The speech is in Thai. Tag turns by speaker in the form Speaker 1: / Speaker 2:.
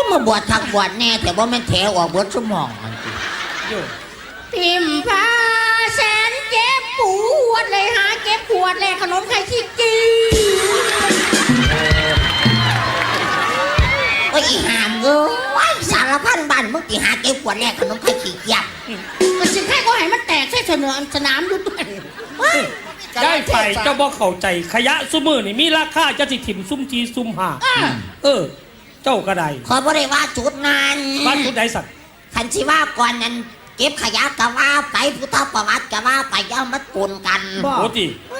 Speaker 1: มาบวชทักบวชแน่แต่ว่ามันแถวออกบวชสมอง
Speaker 2: พิมพาแสนเจ็บปวดเลยหาเก็บขวดเลยขนมไข่ขี้จี
Speaker 1: โอ้ยหามเอ้ยสารพันบ้านมึงตีหาเก็บขวดแรกขนมไข่ขี้ยับ
Speaker 2: มันสิแค่ก็ให้มันแตกใส่สนามดูด้วย
Speaker 3: ได้ไฟเจ้าบ่เข้าใจขยะซุมือนี่มีราคาจะสิถิ่มซุ่มทีซุ่มหาเจ้าก็ได้
Speaker 1: ขอบ่ได้ว่าจุดนั้น
Speaker 3: ว่าจุดใดสัตว์
Speaker 1: คันสิว่าก่อนนั้นเก็บขยะก็ว่าไปพุทธประวัติก็ว่าไปย่ามัดปนกัน
Speaker 3: โอ้ติ